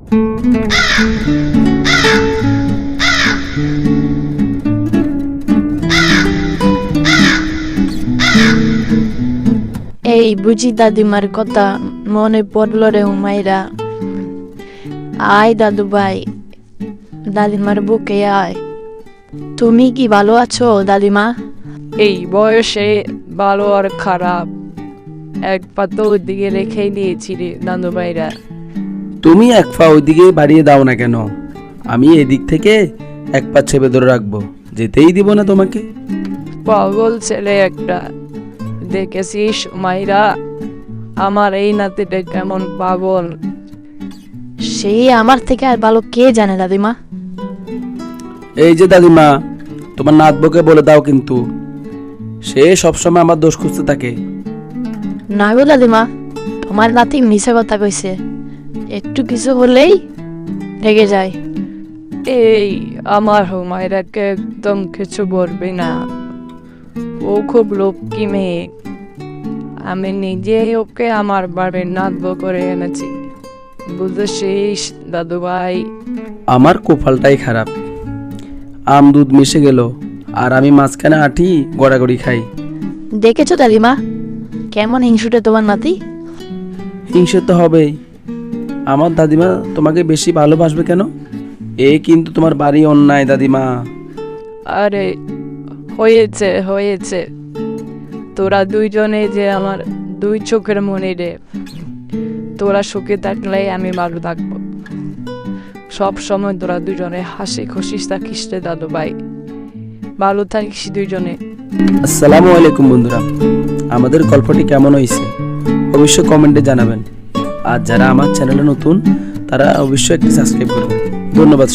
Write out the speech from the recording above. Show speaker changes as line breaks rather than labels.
এই বুঝি দাদিমার কথা মনে পড়লো রে হুমায়রা। আয় দাদু ভাই, দাদিমার বুকে আয়। তুমি কি ভালো আছো দাদিমা?
এই বয়সে ভালো আর খারাপ এক পা তো ওইদিকে রেখেই দিয়েছি রে দাদু ভাইরা।
তুমি এক পা ওইদিকে বাড়িয়ে দাও না কেন? আমি এদিক থেকে এক পা চেপে ধরে রাখবো, যেতেই দিব না তোমাকে।
পাগল ছেলে একটা, দেখেছিস মাইরা আমার এই নাতিটা কেমন পাগল।
সেই আমার থেকে আর ভালো কে জানে দাদিমা।
এই যে দাদিমা, তোমার নাতবকে বলে দাও কিন্তু, সে সবসময় আমার দোষ খুঁজতে থাকে।
না গো দাদিমা, তোমার নাতি মিছে কথা কইছে, একটু কিছু হলেই রেগে যায়।
এই আমার হুমায়রাকে একদম কিছু বলবি না, ও খুব লক্ষ্মী মেয়ে। আমি নিজে ওকে আমার বাড়ির নাতব করে এনেছি, বুঝেছিস দাদু ভাই।
আমার কপালটাই খারাপ, আম দুধ মিশে গেল আর আমি মাঝখানে আঠি গড়াগড়ি খাই।
দেখেছো দাদিমা কেমন হিংসুটে তোমার নাতি?
হিংসে তো হবেই। আমার দাদিমা তোমাকে বেশি ভালোবাসবে কেন? এ কিন্তু তোমার বাড়ি অন্যায় দাদিমা।
আরে হয়েছে হয়েছে, তোরা দুইজনে যে আমার দুই চোখের মনে রে। তোরা সুখে থাকলে আমি ভালো থাকবো, সব সময় তোরা দুজনে হাসি খুশি থাকিস রে দাদু ভাই, ভালো থাকিস দুইজনে।
আসসালামু আলাইকুম বন্ধুরা, আমাদের গল্পটি কেমন হয়েছে অবশ্যই কমেন্টে জানাবেন। আর যারা আমার চ্যানেলে নতুন তারা অবশ্যই একটি সাবস্ক্রাইব করবেন। ধন্যবাদ।